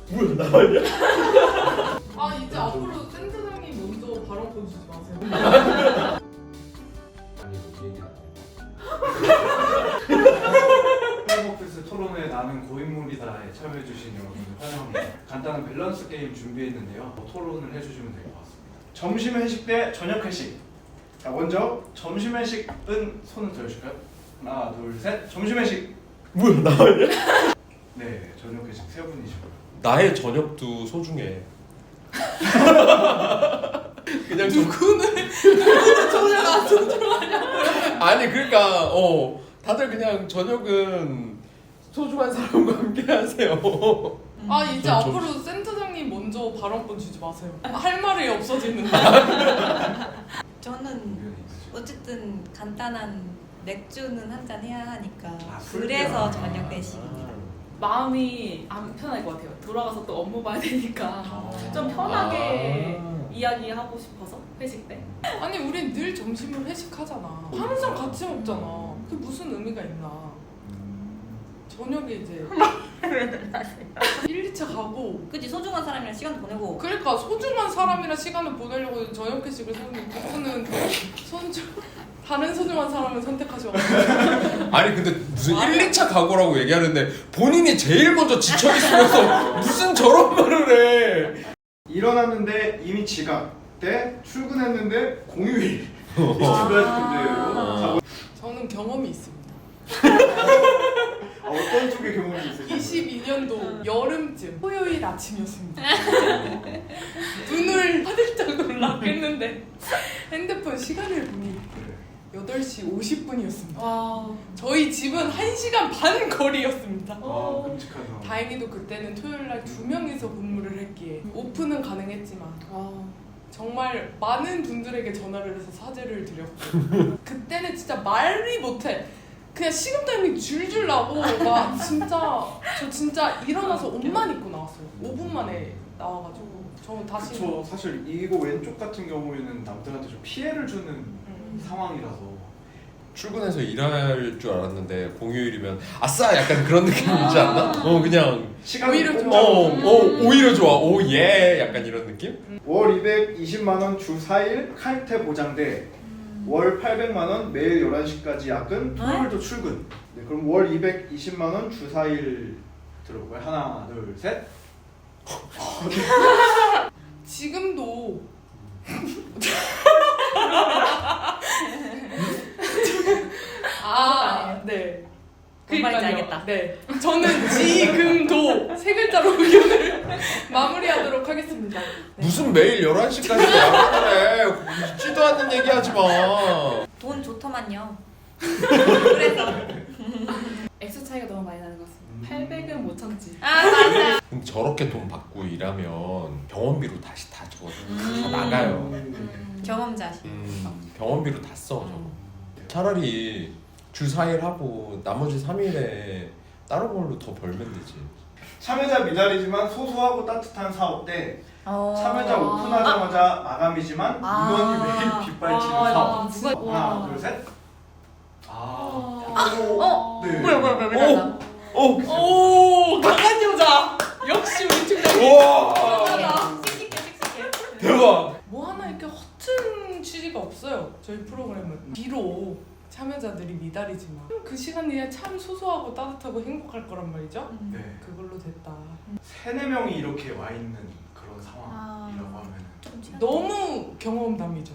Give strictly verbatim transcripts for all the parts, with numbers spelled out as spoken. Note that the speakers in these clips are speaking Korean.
뭐야 나왔냐? 아 이제 앞으로 센터장님 먼저 발언권 주지 마세요. 아니 뭐 얘기 안 해. 헬머피스 토론회 나는 고인물이다에 참여해주신 여러분들 환영합니다. 간단한 밸런스 게임 준비했는데요. 토론을 해주시면 될 것 같습니다. 점심 회식 대 저녁 회식. 자 먼저 점심 회식은 손을 들어주실까요? 하나 둘 셋. 점심 회식. 뭐야 나왔냐? 네 저녁 회식 세 분이시고요. 나의 저녁도 소중해. 그냥 좀 누구는 누구는 저녁 안 소중하냐고요? 아니 그러니까 어 다들 그냥 저녁은 소중한 사람과 함께 하세요. 아 이제 저- 앞으로 센터장님 먼저 발언권 주지 마세요. 할 말이 없어지는데. 저는 어쨌든 간단한 맥주는 한 잔 해야 하니까 아, 술 그래서 아. 저녁 회식입니다. 마음이 안 편할 것 같아요. 돌아가서 또 업무 봐야 되니까 아. 좀 편하게 아. 이야기하고 싶어서 회식 때. 아니 우린 늘 점심을 회식하잖아. 항상 같이 먹잖아. 그게 무슨 의미가 있나? 저녁에 이제 일, 이 차 가고 그치 소중한 사람이랑 시간도 보내고 그러니까 소중한 사람이랑 시간을 보내려고 저녁 회식을 세우는 그분은 소중 다른 소중한 사람을 선택하셔가지고 아니 근데 무슨 일, 이 차 각오라고 얘기하는데 본인이 제일 먼저 지쳐 있으면서 무슨 저런 말을 해. 일어났는데 이미 지각 대 출근했는데 공휴일. 두 가지 문제예요. 저는 경험이 있습니다. 아, 어떤 쪽의 경험이 있으세요? 이십이 년도 여름쯤 토요일 아침이었습니다. 눈을 화들짝 놀랐겠는데 핸드폰 시간을 보니 여덟 시 오십 분이었습니다. 와. 저희 집은 한 시간 반 거리였습니다. 아 끔찍하다. 다행히도 그때는 토요일 날 두 명이서 근무를 했기에 오픈은 가능했지만 와. 정말 많은 분들에게 전화를 해서 사죄를 드렸고 그때는 진짜 말이 못해. 그냥 식은땀이 줄줄 나고 막 진짜 저 진짜 일어나서 옷만 입고 나왔어요. 오 분 만에 나와가지고 저 다시 그쵸. 사실 이거 왼쪽 같은 경우에는 남들한테 좀 피해를 주는 음. 상황이라서. 출근해서 일할 줄 알았는데 공휴일이면 아싸 약간 그런 느낌이지 않나? 어 그냥 시간이 오히려 꼭 좋아. 어, 잡아서. 어 오히려 좋아. 오 예 약간 이런 느낌? 월 이백이십만 원 주 사 일 칼퇴 보장대 월 팔백만 원 매일 열한 시까지 야근 토요일도 출근. 네, 그럼 월 이백이십만 원 주 사 일 들어볼까요? 하나 둘 셋. 지금도 아, 네. 뭔 말인지 그러니까요. 알겠다. 네. 저는 지금도 세 글자로 의견을 마무리하도록 하겠습니다. 네. 무슨 매일 열한 시까지 야근을 해. 있지도 않는 얘기 하지 마. 돈 좋더만요. 그래서 액수 차이가 너무 많이 나는 것 같습니다. 음. 팔백은 못 참지. 아 맞아. 근데 저렇게 돈 받고 일하면 병원비로 다시 다 저거 다 음. 나가요. 음, 경험자시. 음, 병원비로 다 써 저거. 차라리 주 사 일 하고 나머지 삼 일에 다른 걸로 더 벌면 되지. 참여자 미달이지만 소소하고 따뜻한 사업 대 어. 참여자 오픈하자마자 마감이지만 아. 인원이 매일 빗발치는 아, 사업. 누가- 하나 와. 둘 셋. 아. 어? 네. 뭐야 뭐야 뭐야 뭐야. 오! 오, 강한 여자. 역시 우리 팀장님. 우와! 씩씩해 씩씩해. 대박! 뭐 하나 이렇게 허튼 취지가 없어요. 저희 프로그램은 비록 참여자들이 미달이지만 그 시간이 참 소소하고 따뜻하고 행복할 거란 말이죠. 네. 그걸로 됐다. 세네 명이 이렇게 와 있는 그런 아. 상황이라고 하면 좀 취한- 너무 경험담이죠.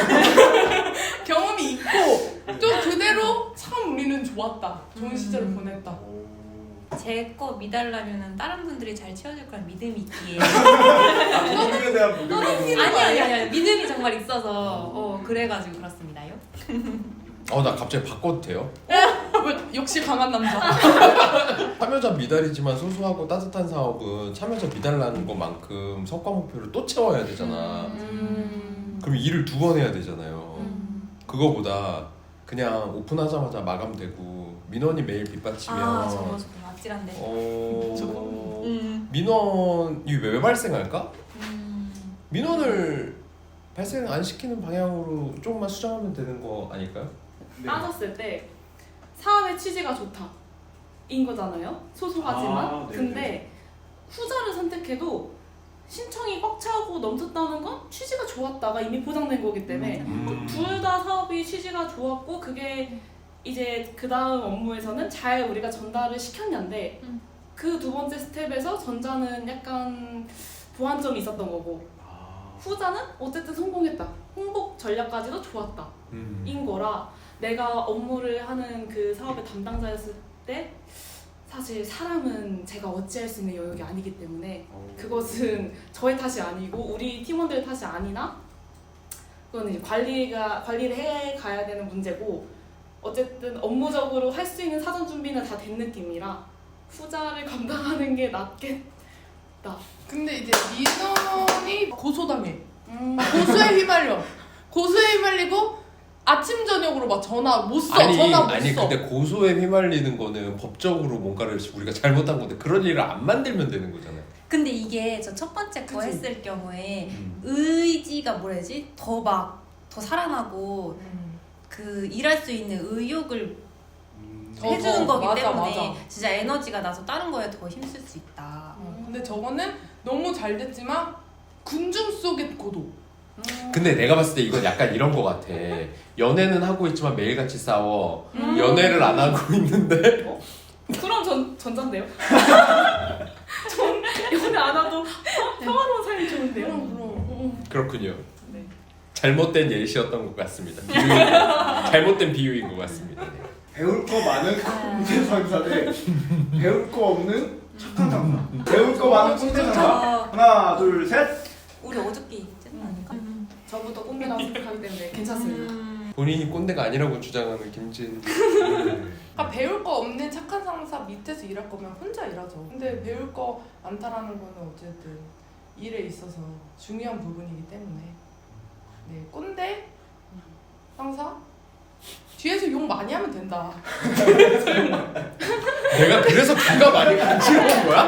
경험이 있고 또 그대로 참 우리는 좋았다. 좋은 시절을 음. 보냈다. 제거 미달라면은 다른 분들이 잘 채워줄 거란 믿음이 있기에. 아, 노동에 대한 무게가 아니 아니 아니 아니 믿음이 정말 있어서 어 그래가지고 그렇습니다요. 어, 나 갑자기 바꿔도 돼요? 왜 역시 강한 남자. 참여자 미달이지만 소소하고 따뜻한 사업은 참여자 미달나는 것만큼 성과 목표를 또 채워야 되잖아. 음. 그럼 일을 두 번 해야 되잖아요. 음. 그거보다 그냥 오픈하자마자 마감되고 민원이 매일 빗받치면 아 저거 저거 아찔한데. 어... 저거? 음. 민원이 왜 발생할까? 음. 민원을 발생 안 시키는 방향으로 조금만 수정하면 되는 거 아닐까요? 네. 따졌을 때 사업의 취지가 좋다 인 거잖아요. 소소하지만. 아, 네네. 근데 후자를 선택해도 신청이 꽉 차고 넘쳤다는 건 취지가 좋았다가 이미 보장된 거기 때문에 음. 둘 다 사업이 취지가 좋았고 그게 이제 그 다음 업무에서는 잘 우리가 전달을 시켰는데 음. 그 두 번째 스텝에서 전자는 약간 보완점이 있었던 거고 아, 후자는 어쨌든 성공했다. 홍보 전략까지도 좋았다. 음. 인 거라 내가 업무를 하는 그 사업의 담당자였을 때 사실 사람은 제가 어찌할 수 있는 영역이 아니기 때문에 어. 그것은 저의 탓이 아니고 우리 팀원들의 탓이 아니나 그건 이제 관리가 관리를 해 가야 되는 문제고 어쨌든 업무적으로 할 수 있는 사전 준비는 다 된 느낌이라 후자를 감당하는 게 낫겠다. 근데 이제 민원이 고소당해. 음. 고소에 휘말려. 고소에 휘말리고 아침 저녁으로 막 전화 못 써. 아니 전화 못 아니 써. 근데 고소에 휘말리는 거는 법적으로 뭔가를 우리가 잘못한 건데 그런 일을 안 만들면 되는 거잖아요. 근데 이게 저 첫 번째 거 그치. 했을 경우에 음. 의지가 뭐라지 더 막 더 살아나고 음. 그 일할 수 있는 의욕을 음, 더, 해주는 더. 거기 맞아, 때문에 맞아. 진짜 에너지가 나서 다른 거에 더 힘쓸 수 있다. 어, 근데 저거는 너무 잘 됐지만 군중 속의 고도. 음. 근데 내가 봤을 때 이건 약간 이런 거 같아. 연애는 하고 있지만 매일같이 싸워. 음. 연애를 안 하고 있는데 그럼 전 전자인데요. 전 연애 안 하도 평- 평화로운 삶이 좋은데요. 그럼 그럼. 그렇군요. 네. 잘못된 예시였던 것 같습니다. 비유 잘못된 비유인 것 같습니다. 네. 배울 거 많은 꼰대 상사 대 배울 거 없는 착한 상사. 배울 거 많은 꼰대 상사. 어, 하나, 둘, 셋. 우리 어저께 있지 않을까? 저부터 꼰대라고 생각하기 때문에 괜찮습니다. 음. 본인이 꼰대가 아니라고 주장하는 김진. 그러니까 배울 거 없는 착한 상사 밑에서 일할 거면 혼자 일하죠. 근데 배울 거 많다라는 거는 어쨌든 일에 있어서 중요한 부분이기 때문에 네 꼰대 상사 뒤에서 욕 많이 하면 된다. 내가 그래서 귀가 많이 간지러운 거야?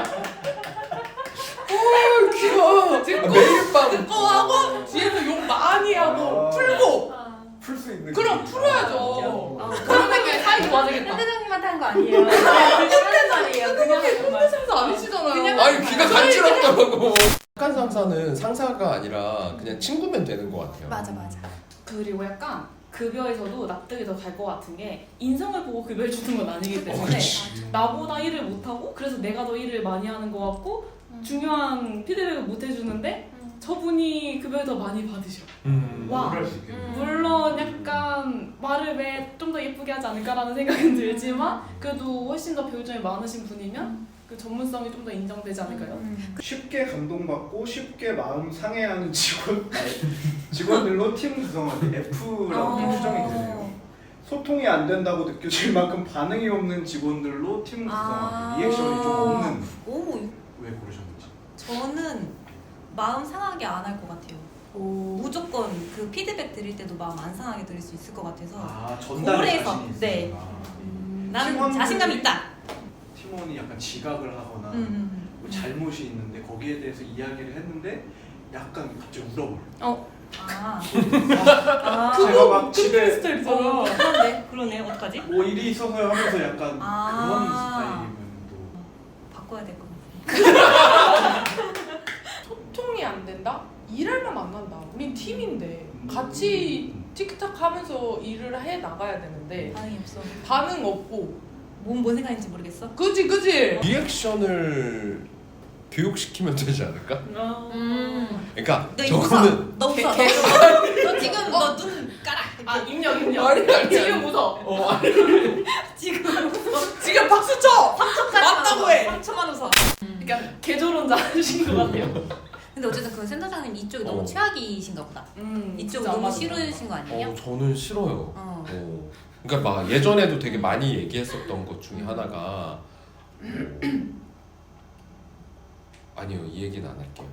어 귀여워. 듣고 매일 밤 듣고 하고 뒤에서 욕 많이 하고 아. 풀고 풀 수 있는. 그럼 게 풀어야죠. 아, 그러면 게 사이 좋아지겠다. 현대장님한테 한 거 아니에요. 그냥 하는 말이에요. 그냥 하는 꼰대 말. 상사 아니시잖아요. 그냥 아니 귀가 간지럽다고. 착한 상사는 상사가 아니라 그냥 친구면 되는 것 같아요. 맞아 맞아. 그리고 약간 급여에서도 납득이 더 갈 것 같은 게 인성을 보고 급여를 주는 건 아니기 어, 때문에 그치. 나보다 일을 못하고 그래서 내가 더 일을 많이 하는 것 같고 음. 중요한 피드백을 못 해주는데 음. 저분이 급여를 더 많이 받으셔. 음. 와. 그럴 수 있겠네. 음. 물론 약간 말을 왜 좀 더 예쁘게 하지 않을까라는 생각은 들지만 그래도 훨씬 더 배울 점이 많으신 분이면 그 전문성이 좀 더 인정되지 않을까요? 음. 쉽게 감동받고 쉽게 마음 상해하는 직원 직원들로 팀 구성하기 F라고 어. 추정이 되네요. 소통이 안 된다고 느껴질 만큼 반응이 없는 직원들로 팀 구성하기. 아. 리액션이 좀 없는. 오, 왜 고르셨는지. 저는 마음 상하게 안 할 것 같아요. 오. 무조건 그 피드백 드릴 때도 마음 안 상하게 드릴 수 있을 것 같아서 아 전달에 고래에서, 자신이 있으니까. 네. 음. 나는 팀원들이- 자신감 있다. 팀원이 약간 지각을 하거나 음, 음, 뭐 잘못이 있는데 거기에 대해서 이야기를 했는데 약간 갑자기 울어버려. 어. 아, 아, 제가 막 집에 스타일이잖아. 어, 그런데 그러네. 어떡하지? 뭐 일이 있어서요 하면서 약간 아. 그런 스타일이면 또 바꿔야 될 것 같아. 소통이 안 된다? 일할만 만난다. 우린 팀인데 음. 같이 틱탁 하면서 일을 해 나가야 되는데 반응이 없어. 반응 없고 뭔, 뭔 생각인지 모르겠어. 그지 그지. 리액션을 교육시키면 되지 않을까? 음. 그러니까 너 이거 웃어. 저거는 너 웃어. 너, 웃어. 너 지금 너 눈 깔아. 아 입력 입력. 아니, 아니, 지금 웃어. 어 아니, 지금 웃어. 지금 박수 쳐. 맞다고 해. 삼 초만 웃어. 그러니까 개조론자신 것 같아요. 근데 어쨌든 그 센터장님 이쪽이 어. 너무 최악이신가 보다. 음. 이쪽 진짜 안 너무 맞아. 싫으신 거 아니에요? 어 저는 싫어요. 어. 어. 그러니까 막 예전에도 되게 많이 얘기했었던 것 중에 하나가 어, 아니요 이 얘기는 안 할게요.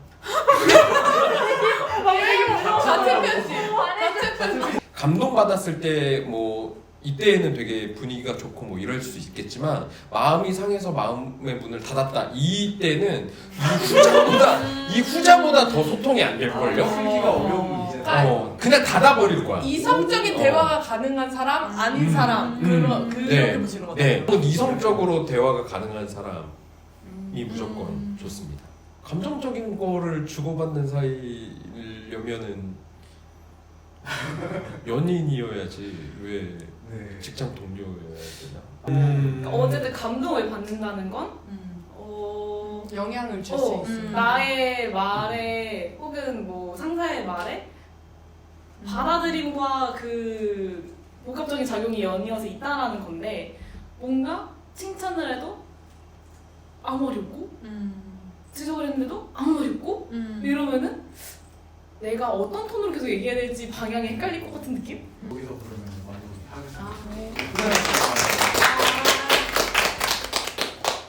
같은 편지. 같은 편지. 감동 받았을 때 뭐 이때에는 되게 분위기가 좋고 뭐 이럴 수 있겠지만 마음이 상해서 마음의 문을 닫았다 이때는 이 후자보다 이 후자보다 더 소통이 안 될 걸요. 풀기가 어려운 문제다. 어 그냥 닫아버릴 거야. 이성적인 어. 대화가 가능한 사람, 아닌 음. 사람 음. 그런 그렇게 네. 보시는 거죠. 네, 혹은 이성적으로 대화가 가능한 사람. 무조건 음. 좋습니다. 감정적인 거를 주고받는 사이려면은 연인이어야지 왜 네. 직장 동료여야 되나? 그러니까 어쨌든 감동을 받는다는 건 음. 어, 영향을 줄 어, 수 있어요. 음. 나의 말에 혹은 뭐 상사의 말에 음. 받아들임과 그 복합적인 작용이 연이어서 있다라는 건데 뭔가 칭찬을 해도 아무 말이 없고 음. 지적을 했는데도 아무 말이 없고 음. 이러면은 내가 어떤 톤으로 계속 얘기해야 될지 방향이 헷갈릴 것 같은 느낌? 여기서 그러면 많이 하겠습니다. 아, 네. 고생하셨습니다.